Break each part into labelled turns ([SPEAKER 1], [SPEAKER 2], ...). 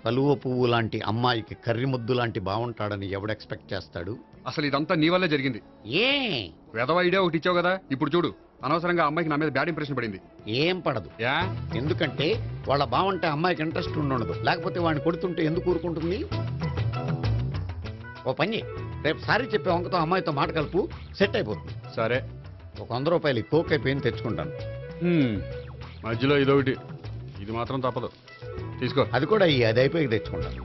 [SPEAKER 1] కలువ పువ్వు లాంటి అమ్మాయికి కర్రి ముద్దు లాంటి బాగుంటాడని ఎవడు ఎక్స్పెక్ట్ చేస్తాడు?
[SPEAKER 2] అసలు ఇదంతా నీ వల్లే జరిగింది.
[SPEAKER 1] ఏ
[SPEAKER 2] వెధవ ఐడియా ఒకటి ఇచ్చావు కదా, ఇప్పుడు చూడు అనవసరంగా అమ్మాయికి నా మీద బ్యాడ్ ఇంప్రెషన్ పడింది.
[SPEAKER 1] ఏం పడదు.
[SPEAKER 2] యా
[SPEAKER 1] ఎందుకంటే వాళ్ళ బాగుంటే అమ్మాయికి ఇంట్రెస్ట్ ఉండదు. లేకపోతే వాడిని కొడుతుంటే ఎందుకు ఊరుకుంటుంది? ఓ పని, రేపు సారీ చెప్పే వంకతో అమ్మాయితో మాట కలుపు, సెట్ అయిపోతుంది.
[SPEAKER 2] సరే,
[SPEAKER 1] ఒక 100 రూపాయలు కోక్ అయిపోయింది తెచ్చుకుంటాను.
[SPEAKER 2] మధ్యలో ఇదొకటి, ఇది మాత్రం తప్పదు, తీసుకో.
[SPEAKER 1] అది కూడా అది అయిపోయి తెచ్చుకుంటాను.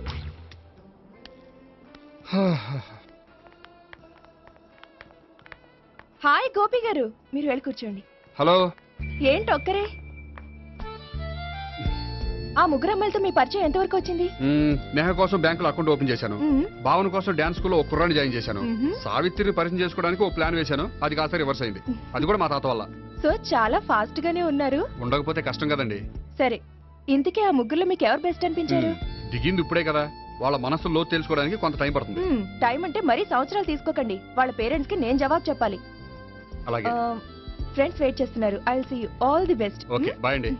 [SPEAKER 3] హాయ్ గోపి గారు, మీరు వెళ్ళి కూర్చోండి.
[SPEAKER 2] హలో.
[SPEAKER 3] ఏంటి ఒక్కరే? ఆ ముగ్గురు అమ్మాయిలతో మీ పరిచయం ఎంతవరకు వచ్చింది?
[SPEAKER 2] నేహ కోసం బ్యాంకులో అకౌంట్ ఓపెన్ చేశాను. భావన కోసం డాన్స్ స్కూల్లో ఒక కుర్రాన్ని జాయిన్ చేశాను. సావిత్రిని పరిచయం చేసుకోవడానికి ఒక ప్లాన్ వేశాను, అది కాస్త రివర్స్ అయింది. అది కూడా మా తాత వల్ల.
[SPEAKER 3] సో చాలా ఫాస్ట్ గానే ఉన్నారు.
[SPEAKER 2] ఉండకపోతే కష్టం కదండి.
[SPEAKER 3] సరే, ఇంతకీ ఆ ముగ్గురులో మీకు ఎవరు బెస్ట్ అనిపించారు?
[SPEAKER 2] దిగింది ఇప్పుడే కదా, వాళ్ళ మనసు లోతు తెలుసుకోవడానికి కొంత టైం పడుతుంది.
[SPEAKER 3] టైం అంటే మరీ సంవత్సరాలు తీసుకోకండి. వాళ్ళ పేరెంట్స్ కి నేను జవాబు చెప్పాలి.
[SPEAKER 2] అలాగే.
[SPEAKER 3] ఫ్రెండ్స్ వెయిట్ చేస్తున్నారు. I will see you. All the best.
[SPEAKER 2] Okay, bye అండి.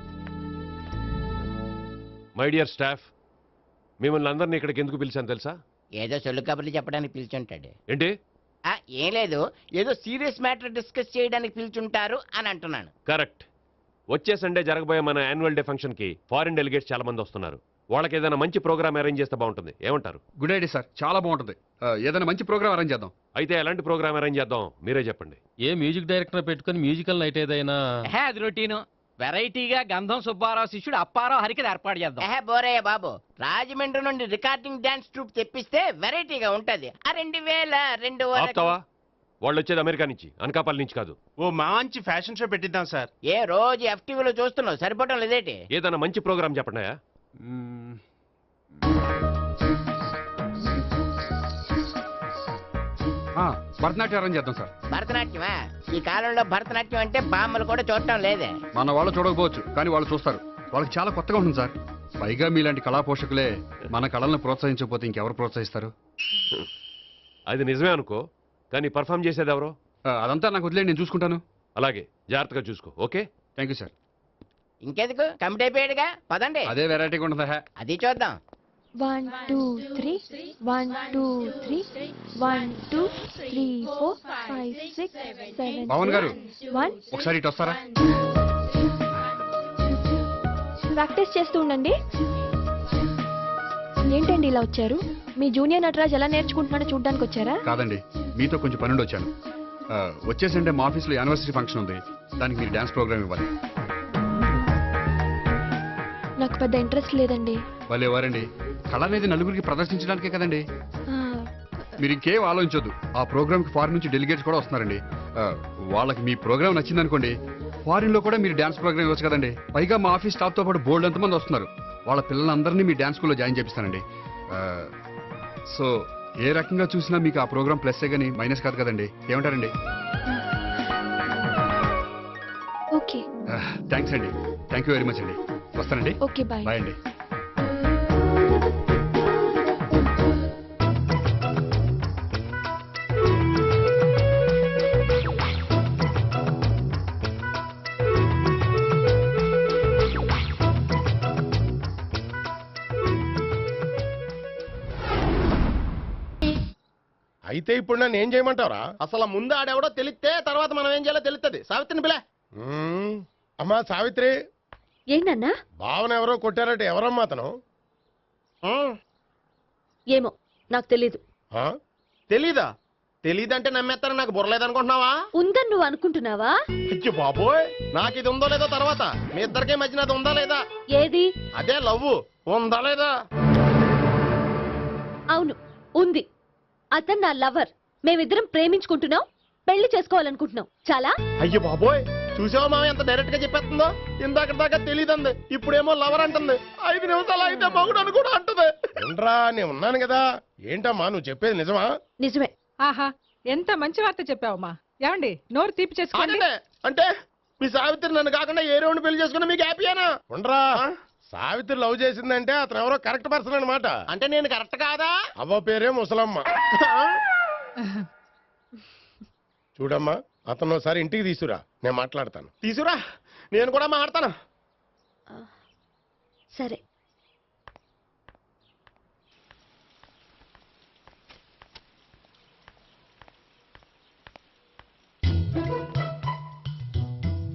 [SPEAKER 4] మై డియర్ స్టాఫ్, మిమ్మల్ని అందరినీ ఇక్కడికి ఎందుకు పిలిచాను తెలుసా?
[SPEAKER 5] ఏదో సొల్లు కబుర్లు చెప్పడానికి పిలిచుంటాడు.
[SPEAKER 4] ఏంటి?
[SPEAKER 5] ఏం లేదు, ఏదో సీరియస్ మ్యాటర్ డిస్కస్ చేయడానికి పిలిచుంటారు అని అంటున్నాను.
[SPEAKER 4] కరెక్ట్. వచ్చే సండే జరగబోయే మన యాన్యువల్ డే ఫంక్షన్ కి ఫారిన్ డెలిగేట్స్ చాలా మంది వస్తున్నారు. వాళ్ళకి ఏదైనా మంచి ప్రోగ్రామ్ అరేంజ్ చేస్తే బాగుంటుంది. ఏమంటారు?
[SPEAKER 2] గుడ్ ఐడియా సార్, చాలా బాగుంటుంది. ఏదైనా మంచి ప్రోగ్రామ్ అరేంజ్ చేద్దాం.
[SPEAKER 4] అయితే ఎలాంటి ప్రోగ్రామ్ అరేంజ్ చేద్దాం మీరే చెప్పండి.
[SPEAKER 6] ఏ మ్యూజిక్ డైరెక్టర్ పెట్టుకుని మ్యూజికల్ నైట్ ఏదైనా?
[SPEAKER 7] అది రొటీను. వెరైటీగా గంధం సుబ్బారావు శిష్యుడు అప్పారావు హరికి ఏర్పాటు చేద్దాం.
[SPEAKER 5] బోరయ్య బాబు, రాజమండ్రి నుండి రికార్డింగ్ డాన్స్ ట్రూప్ తెప్పిస్తే వెరైటీగా ఉంటది. 2002
[SPEAKER 4] ఆపుతావా? వాళ్ళు వచ్చేది అమెరికా నుంచి, అనకాపల్లి నుంచి కాదు.
[SPEAKER 8] ఓ మంచి ఫ్యాషన్ షో పెట్టిద్దాం సార్.
[SPEAKER 5] ఏ రోజు FTVలో చూస్తున్నావు, సరిపోవటం లేదేటి?
[SPEAKER 4] ఏదైనా మంచి ప్రోగ్రామ్ చెప్పండి.
[SPEAKER 2] భరతనాట్యం అరేంజ్ చేద్దాం సార్.
[SPEAKER 5] భరతనాట్యమా? ఈ కాలంలో భరతనాట్యం అంటే బామ్మలు కూడా చూడటం లేదే.
[SPEAKER 2] మన వాళ్ళు చూడకపోవచ్చు, కానీ వాళ్ళు చూస్తారు. వాళ్ళకి చాలా కొత్తగా ఉంటుంది సార్. పైగా మీలాంటి కళా పోషకులే మన కళలను ప్రోత్సహించకపోతే ఇంకెవరు ప్రోత్సహిస్తారు?
[SPEAKER 4] అది నిజమే అనుకో, కానీ పర్ఫామ్ చేసేది ఎవరో?
[SPEAKER 2] అదంతా నాకు వదిలేండి, నేను చూసుకుంటాను.
[SPEAKER 4] అలాగే, జాగ్రత్తగా చూసుకో. Okay,
[SPEAKER 2] thank you sir.
[SPEAKER 5] ఇంకెందుకు, కమిటీ అయిపోయాడుగా, పదండి.
[SPEAKER 2] అదే వెరైటీగా ఉంటుందా?
[SPEAKER 5] అది చూద్దాం.
[SPEAKER 3] 1 2 3 1 2 3 1 2 3 4 5 6 7
[SPEAKER 2] పవన్ గారు,
[SPEAKER 3] 1.
[SPEAKER 2] ఒకసారి ఇటు వస్తారా?
[SPEAKER 3] ప్రాక్టీస్ చేస్తూ ఉండండి. ఏంటండి ఇలా వచ్చారు? మీ జూనియర్ నటరాజ్ ఎలా నేర్చుకుంటున్నాడో చూడడానికి వచ్చారా?
[SPEAKER 2] కాదండి, మీతో కొంచెం పనుండి వచ్చాను. వచ్చేసంటే మా ఆఫీస్లో యానివర్సరీ ఫంక్షన్ ఉంది, దానికి మీరు డాన్స్ ప్రోగ్రామ్ ఇవ్వాలి.
[SPEAKER 3] నాకు పెద్ద ఇంట్రెస్ట్ లేదండి.
[SPEAKER 2] వాళ్ళు ఎవరండి? కళ అనేది నలుగురికి ప్రదర్శించడానికే కదండి. మీరు ఇంకేం ఆలోచించొద్దు. ఆ ప్రోగ్రామ్కి ఫారిన్ నుంచి డెలిగేట్స్ కూడా వస్తున్నారండి. వాళ్ళకి మీ ప్రోగ్రామ్ నచ్చిందనుకోండి, ఫారిన్ లో కూడా మీరు డాన్స్ ప్రోగ్రామ్ ఇవ్వచ్చు కదండి. పైగా మా ఆఫీస్ స్టాఫ్ తో పాటు బోల్డ్ ఎంతమంది వస్తున్నారు. వాళ్ళ పిల్లలందరినీ మీ డాన్స్ స్కూల్లో జాయిన్ చేపిస్తానండి. సో ఏ రకంగా చూసినా మీకు ఆ ప్రోగ్రామ్ ప్లస్సే కానీ మైనస్ కాదు కదండి. ఏమంటారండి?
[SPEAKER 3] ఓకే,
[SPEAKER 2] థ్యాంక్స్ అండి. థ్యాంక్ యూ వెరీ మచ్ అండి. వస్తానండి.
[SPEAKER 3] Okay, bye.
[SPEAKER 2] బాయ్ అండి.
[SPEAKER 8] అయితే ఇప్పుడు నన్ను ఏం చేయమంటారా? అసలు ముందు ఆడెవడో తెలిస్తే తర్వాత మనం ఏం చేయాలో తెలుస్తుంది. సావిత్రిని పిల్ల. అమ్మా సావిత్రి.
[SPEAKER 3] ఏంటన్నా?
[SPEAKER 8] భావన ఎవరో కొట్టారట, ఎవరమ్మా అతను?
[SPEAKER 3] ఏమో నాకు తెలీదు.
[SPEAKER 8] తెలీదా? తెలీదంటే నమ్మేస్తారని నాకు బుర్రలేదనుకుంటున్నావా?
[SPEAKER 3] ఉందని నువ్వు అనుకుంటున్నావా?
[SPEAKER 8] అయ్యో బాబోయ్, నాకు ఇది ఉందో లేదో తర్వాత. మీ ఇద్దరికే మధ్యన అది ఉందా లేదా?
[SPEAKER 3] ఏది?
[SPEAKER 8] అదే లవ్ ఉందా లేదా?
[SPEAKER 3] అవును, ఉంది. అతను నా లవర్. మేమిద్దరం ప్రేమించుకుంటున్నాం, పెళ్లి చేసుకోవాలనుకుంటున్నాం. చాలా.
[SPEAKER 8] అయ్యో బాబోయ్, చూసావా మామ ఎంత డైరెక్ట్ గా చెప్పేస్తుందో? ఇందాక దాకా తెలియదండి, ఇప్పుడేమో లవర్ అంటుంది. 5 నిమిషాలు అయితే మగుడు అని కూడా అంటుంది. ఏంట్రా, నేను ఉన్నాను కదా. ఏంటమ్మా నువ్వు చెప్పేది నిజమా?
[SPEAKER 3] నిజమే.
[SPEAKER 9] ఆహా, ఎంత మంచి వార్త చెప్పావమ్మా. ఏమండి, నోరు తీపి చేసుకోండి.
[SPEAKER 8] అంటే మీ సావిత్రి నన్ను కాకుండా ఏ రౌండ్ పెళ్లి చేసుకున్నా మీకు హ్యాపీయేనా? ఉండరా, సావిత్రి లవ్ చేసిందంటే అతను ఎవరో కరెక్ట్ పర్సన్ అనమాట. అంటే నేను కరెక్ట్ కాదా? అవ్వ పేరే ముసలమ్మ. చూడమ్మా, అతను ఒకసారి ఇంటికి తీసుకురా, నేను మాట్లాడతాను. తీసుకురా, నేను కూడా మాట్లాడతాను.
[SPEAKER 3] సరే.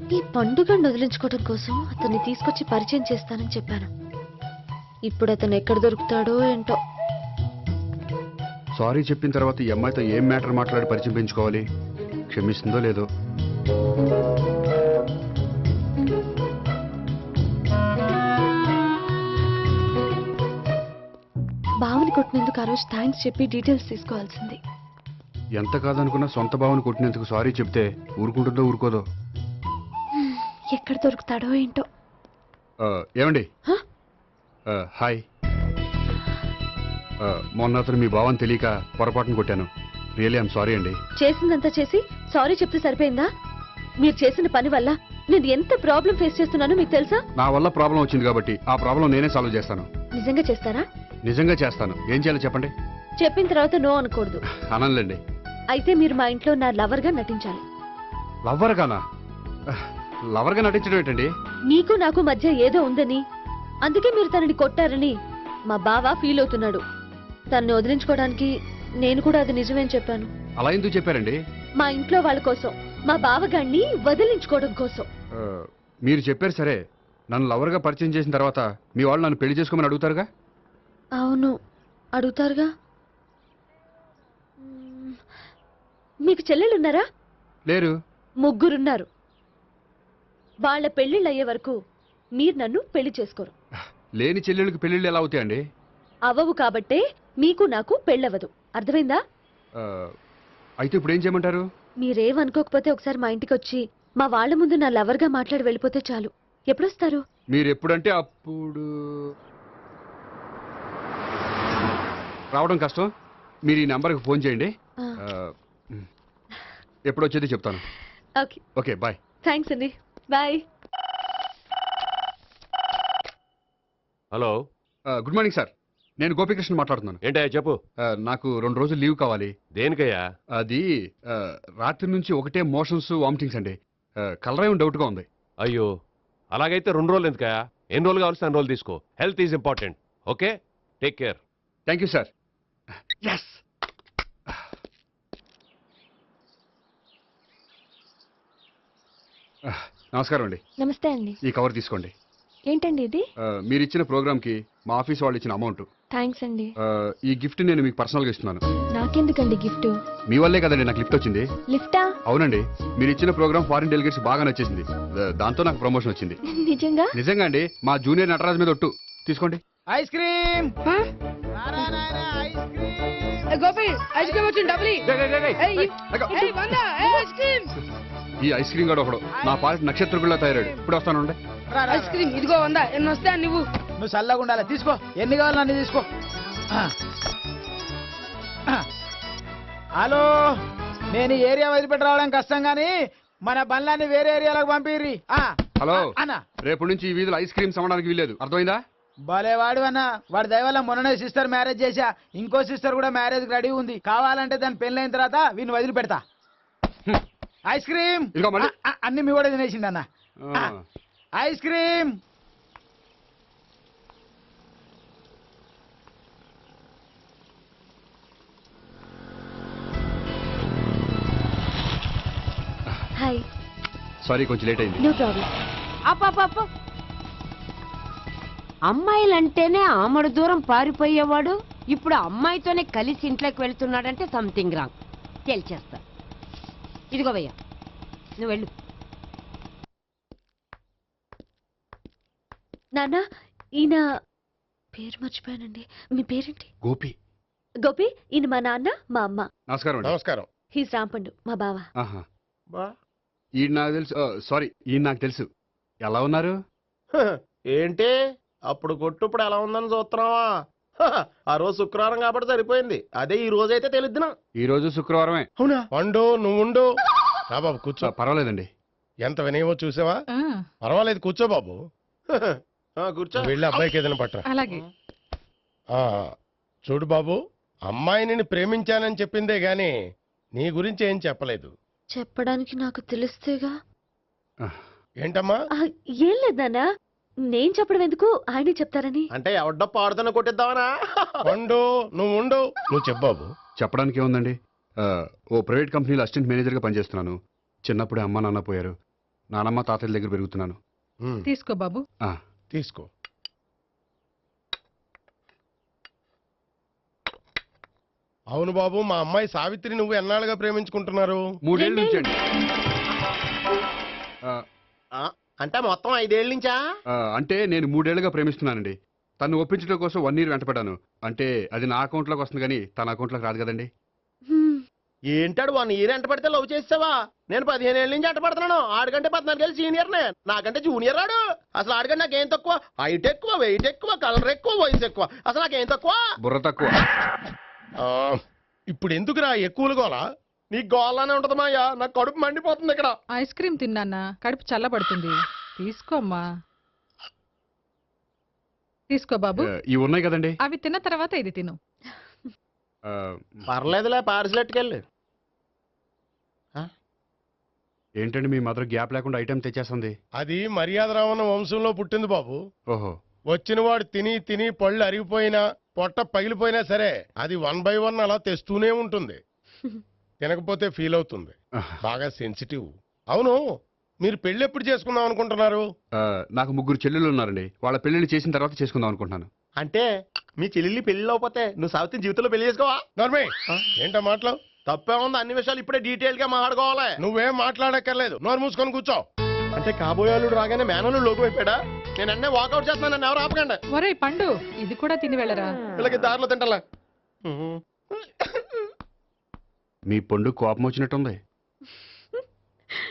[SPEAKER 3] ఈ పండుగను వదిలించుకోవడం కోసం అతన్ని తీసుకొచ్చి పరిచయం చేస్తానని చెప్పాను. ఇప్పుడు అతను ఎక్కడ దొరుకుతాడో ఏంటో.
[SPEAKER 2] సారీ చెప్పిన తర్వాత ఈ అమ్మాయితో ఏం మ్యాటర్ మాట్లాడి పరిచయం పెంచుకోవాలి? క్షమిస్తుందో లేదో.
[SPEAKER 3] బావని కొట్టినందుకు ఆ రోజు థ్యాంక్స్ చెప్పి డీటెయిల్స్ తీసుకోవాల్సింది.
[SPEAKER 2] ఎంత కాదనుకున్నా సొంత భావన కొట్టినందుకు సారీ చెప్తే ఊరుకుంటుందో ఊరుకోదో.
[SPEAKER 3] ఎక్కడ దొరుకుతాడో ఏంటో.
[SPEAKER 2] ఏమండి? హాయ్. మొన్న అతను మీ భావని తెలియక పొరపాటును కొట్టాను. రియలీ ఐఎమ్ సారీ అండి.
[SPEAKER 3] చేసిందంతా చేసి సారీ చెప్తే సరిపోయిందా? మీరు చేసిన పని వల్ల నేను ఎంత ప్రాబ్లం ఫేస్ చేస్తున్నానో మీకు తెలుసా?
[SPEAKER 2] నా వల్ల ప్రాబ్లం వచ్చింది కాబట్టి ఆ ప్రాబ్లం నేనే సాల్వ్ చేస్తాను.
[SPEAKER 3] నిజంగా చేస్తారా?
[SPEAKER 2] నిజంగా చేస్తాను. ఏం చేయాలో చెప్పండి.
[SPEAKER 3] చెప్పిన తర్వాత నో అనకూడదు.
[SPEAKER 2] అనంలేండి.
[SPEAKER 3] అయితే మీరు మా ఇంట్లో నా లవర్ గా నటించాలి.
[SPEAKER 2] లవ్వర్ గానా? లవర్ గా నటించడం ఏంటండి?
[SPEAKER 3] మీకు నాకు మధ్య ఏదో ఉందని, అందుకే మీరు తనని కొట్టారని మా బావ ఫీల్ అవుతున్నాడు. తనని వదిలించుకోవడానికి నేను కూడా అది నిజమేని చెప్పాను.
[SPEAKER 2] అలా ఎందుకు చెప్పారండి?
[SPEAKER 3] మా ఇంట్లో వాళ్ళ కోసం, మా బావగాన్ని వదిలించుకోవడం కోసం.
[SPEAKER 2] మీరు చెప్పారు సరే, నన్ను లవర్గా పరిచయం చేసిన తర్వాత మీ వాళ్ళు నన్ను పెళ్లి చేసుకోమని అడుగుతారుగా?
[SPEAKER 3] అవును, అడుగుతారుగా. మీకు చెల్లెలున్నారా?
[SPEAKER 2] లేరు.
[SPEAKER 3] ముగ్గురున్నారు. వాళ్ళ పెళ్లిళ్ళు అయ్యే వరకు మీరు నన్ను పెళ్లి చేసుకోరు.
[SPEAKER 2] లేని చెల్లెళ్ళకి పెళ్లిళ్ళు ఎలా అవుతాయండి?
[SPEAKER 3] అవ్వవు కాబట్టే మీకు నాకు పెళ్ళవదు. అర్థమైందా?
[SPEAKER 2] అయితే ఇప్పుడు ఏం చేయమంటారు?
[SPEAKER 3] మీరేమనుకోకపోతే ఒకసారి మా ఇంటికి వచ్చి మా వాళ్ళ ముందు నా లవర్గా మాట్లాడి వెళ్ళిపోతే చాలు. ఎప్పుడొస్తారు?
[SPEAKER 2] మీరు ఎప్పుడంటే అప్పుడు. రావడం కష్టం. మీరు ఈ నెంబర్కి ఫోన్ చేయండి. ఎప్పుడు వచ్చేది చెప్తాను.
[SPEAKER 3] ఓకే.
[SPEAKER 2] Okay, bye.
[SPEAKER 3] థ్యాంక్స్ అండి. Bye.
[SPEAKER 4] Hello.
[SPEAKER 2] Good morning sir. నేను గోపికృష్ణ మాట్లాడుతున్నాను.
[SPEAKER 4] ఏంటయ్యా చెప్పు.
[SPEAKER 2] నాకు 2 రోజులు లీవ్ కావాలి.
[SPEAKER 4] దేనికయ్యా?
[SPEAKER 2] అది రాత్రి నుంచి ఒకటే మోషన్స్, వామిటింగ్స్ అండి. కలరేం డౌట్గా ఉంది.
[SPEAKER 4] అయ్యో, అలాగైతే 2 రోజులు ఎందుకయ్యా? ఎన్ని రోజులు కావాల్సిన 2 రోజులు తీసుకో. Health is important. Okay, take care.
[SPEAKER 2] Thank you sir. Yes. నమస్కారం అండి.
[SPEAKER 3] నమస్తే అండి.
[SPEAKER 2] ఈ కవర్ తీసుకోండి.
[SPEAKER 3] ఏంటండి ఇది?
[SPEAKER 2] మీరు ఇచ్చిన ప్రోగ్రామ్కి మా ఆఫీస్ వాళ్ళు ఇచ్చిన అమౌంట్.
[SPEAKER 3] థ్యాంక్స్ అండి.
[SPEAKER 2] ఈ గిఫ్ట్ నేను మీకు పర్సనల్గా ఇస్తున్నాను.
[SPEAKER 3] నాకెందుకండి గిఫ్ట్?
[SPEAKER 2] మీ వల్లే కదండి నాకు లిఫ్ట్ వచ్చింది.
[SPEAKER 3] లిఫ్టా?
[SPEAKER 2] అవునండి, మీరు ఇచ్చిన ప్రోగ్రామ్ ఫారిన్ డెలిగేట్స్ బాగా నచ్చేసింది. దాంతో నాకు ప్రమోషన్ వచ్చింది.
[SPEAKER 3] నిజంగా?
[SPEAKER 2] నిజంగా అండి. మా జూనియర్ నటరాజ్ మీద ఒట్టు. తీసుకోండి.
[SPEAKER 7] Ice cream.
[SPEAKER 9] Gopi ice cream వచ్చింది. డబ్బులు
[SPEAKER 2] ఈ ఐస్ క్రీమ్ గడు ఒకడు నా పాలిట నక్షత్రకుల్లా తయారాడు. ఇప్పుడు వస్తానండి.
[SPEAKER 9] ఐస్ క్రీమ్ ఇదిగో 100. ఎన్ని వస్తా నువ్వు?
[SPEAKER 7] నువ్వు చల్లగా ఉండాలి. తీసుకో, ఎన్ని కావాలి అన్ని తీసుకో. హలో, నేను ఈ ఏరియా వదిలిపెట్టి రావడం కష్టం గానీ మన బండ్లన్నీ వేరే ఏరియాలకు పంపిర్రి.
[SPEAKER 2] హలో
[SPEAKER 7] అన్న,
[SPEAKER 2] రేపు నుంచి ఈ వీధిలో ఐస్ క్రీమ్స్ అమ్మడానికి వీల్లేదు. అర్థమైందా?
[SPEAKER 7] భలేవాడు అన్న. వాడి దయవల్ల మొన్ననే సిస్టర్ మ్యారేజ్ చేశా. ఇంకో సిస్టర్ కూడా మ్యారేజ్ రెడీ ఉంది. కావాలంటే దాని పెళ్ళైన తర్వాత వీడిని వదిలిపెడతా. ఐస్ క్రీమ్ అన్ని మీ కూడా తినేసిండి అన్న. Ice cream.
[SPEAKER 3] హాయ్.
[SPEAKER 2] సారీ, కొంచెం లేట్ అయింది.
[SPEAKER 3] No problem.
[SPEAKER 10] అప్ప అమ్మాయిలంటేనే ఆమడు దూరం పారిపోయేవాడు ఇప్పుడు అమ్మాయితోనే కలిసి ఇంట్లోకి వెళ్తున్నాడంటే సంథింగ్ రాంగ్. తేల్చేస్తా. ఇదిగో భయ్యా, నువ్వు వెళ్ళు.
[SPEAKER 3] నాన్న, ఈయన పేరు మర్చిపోయానండి. మీ పేరేంటి?
[SPEAKER 2] గోపి.
[SPEAKER 3] గోపి, ఈయన మా నాన్న, మా అమ్మ.
[SPEAKER 2] నమస్కారం.
[SPEAKER 8] నమస్కారం.
[SPEAKER 3] హీస్ రాంపండు, మా బావ.
[SPEAKER 2] ఈయన నాకు తెలుసు. సారీ, ఈయన నాకు తెలుసు. ఎలా ఉన్నారు?
[SPEAKER 8] ఏంటి అప్పుడు కొట్టు ఇప్పుడు ఎలా ఉందని చూస్తున్నావా? ఆ రోజు శుక్రవారం కాబట్టి సరిపోయింది. అదే ఈ రోజు అయితే తెలిద్దునా.
[SPEAKER 2] ఈ రోజు శుక్రవారమే.
[SPEAKER 8] అవునా? వండు, నువ్వు ఉండు. రా బాబు కూర్చో.
[SPEAKER 2] పర్వాలేదండి.
[SPEAKER 8] ఎంత వినయమో చూసావా? పర్వాలేదు, కూర్చో బాబు. కూర్చో. వెళ్ళి అబ్బాయికి ఏదైనా పట్టరా.
[SPEAKER 9] అలాగే.
[SPEAKER 8] చూడు బాబు, అమ్మాయిని ప్రేమించానని చెప్పిందే గాని నీ గురించి ఏం చెప్పలేదు.
[SPEAKER 3] చెప్పడానికి నాకు తెలిస్తేగా.
[SPEAKER 8] ఏంటమ్మా?
[SPEAKER 3] ఏం లేదు నాన్న, నేను చెప్పడం ఎందుకు, ఆయనే చెప్తారని.
[SPEAKER 8] అంటే ఎవడ్డ పాడుతున్న కొట్టిద్దామనా? వండు, నువ్వు ఉండు. నువ్వు చెప్పు బాబు.
[SPEAKER 2] చెప్పడానికి ఏముందండి. ఓ ప్రైవేట్ కంపెనీలో అసిస్టెంట్ మేనేజర్గా పనిచేస్తున్నాను. చిన్నప్పుడే అమ్మ నాన్న పోయారు. నానమ్మ తాతయ్య దగ్గర పెరుగుతున్నాను.
[SPEAKER 9] తీసుకో బాబు.
[SPEAKER 2] ఆ,
[SPEAKER 8] తీసుకో. అవును బాబు, మా అమ్మాయి సావిత్రి నువ్వు ఎన్నాళ్ళుగా ప్రేమించుకుంటున్నారు?
[SPEAKER 2] 3 ఏళ్ళ నుంచి అండి.
[SPEAKER 8] అంటే మొత్తం 5 ఏళ్ళ నుంచా?
[SPEAKER 2] అంటే నేను 3 ఏళ్ళుగా ప్రేమిస్తున్నానండి. తను ఒప్పించడం కోసం 1 ఇయర్ వెంటపడ్డాను. అంటే అది నా అకౌంట్లోకి వస్తుంది కానీ తన అకౌంట్లోకి రాదు కదండి.
[SPEAKER 8] ఏంటాడు 1 ఇయర్ ఎంట పడితే లవ్ చేసావా? నేను 15 ఏళ్ళ నుంచి ఎంట పడుతున్నాను. ఆడికంటే 14 ఏళ్ళు సీనియర్నే, నాకంటే జూనియర్ ఆడు. అసలు ఆడికంటే నాకేం తక్కువ? హైట్ ఎక్కువ, వెయిట్ ఎక్కువ, కలర్ ఎక్కువ, వయసు ఎక్కువ. అసలు నాకేం తక్కువ?
[SPEAKER 2] బుర్ర తక్కువ.
[SPEAKER 8] ఇప్పుడు ఎందుకురా ఎక్కువలు గోలా? నీకు గోలానే ఉంటది మాయా, నాకు కడుపు మండిపోతుంది ఇక్కడ.
[SPEAKER 9] ఐస్ క్రీమ్ తిన్నానా, కడుపు చల్లబడుతుంది. తీసుకోమ్మా. తీసుకో బాబు.
[SPEAKER 2] ఇవి ఉన్నాయి కదండి.
[SPEAKER 9] అవి తిన్న తర్వాత ఇది తిను.
[SPEAKER 8] పర్లేదులే, పార్సిల్ ఎట్టుకెళ్ళి.
[SPEAKER 2] ఏంటండి మీ మదర్ గ్యాప్ లేకుండా ఐటెం తెచ్చేస్తుంది?
[SPEAKER 8] అది మర్యాద రావణ వంశంలో పుట్టింది బాబు.
[SPEAKER 2] ఓహో.
[SPEAKER 8] వచ్చిన వాడు తిని తిని పళ్ళు అరిగిపోయినా పొట్ట పగిలిపోయినా సరే అది 1 by 1 అలా తెస్తూనే ఉంటుంది. తినకపోతే ఫీల్ అవుతుంది. బాగా సెన్సిటివ్. అవును, మీరు పెళ్లి ఎప్పుడు చేసుకుందాం అనుకుంటున్నారు?
[SPEAKER 2] నాకు 3 చెల్లెళ్ళు ఉన్నారండి. వాళ్ళ పెళ్లిళ్ళు చేసిన తర్వాత చేసుకుందాం అనుకుంటున్నాను.
[SPEAKER 8] అంటే మీ చెల్లెల్ని పెళ్లి లేకపోతే నువ్వు సావిత్రి జీవితంలో పెళ్లి చేసుకోవా? నర్మే, ఏంటో మాటలు? తప్పే ఉంది. అన్ని విషయాలు ఇప్పుడే డీటెయిల్ గా మాట్లాడుకోవాలి. నువ్వేం మాట్లాడక్కర్లేదు, నోరు మూసుకొని కూర్చో. అంటే కాబోయేవాళ్ళు రాగానే మేనలు లోకి అయిపోయాడా? నేను అన్నీ వాకౌట్ చేస్తున్నాను, నన్ను ఎవరు ఆపకండి.
[SPEAKER 9] ఒరే పండు, ఇది కూడా తిని వెళ్ళరా.
[SPEAKER 8] వీళ్ళకి దారిలో తింటలే.
[SPEAKER 2] మీ పండు కోపం వచ్చినట్టుంది.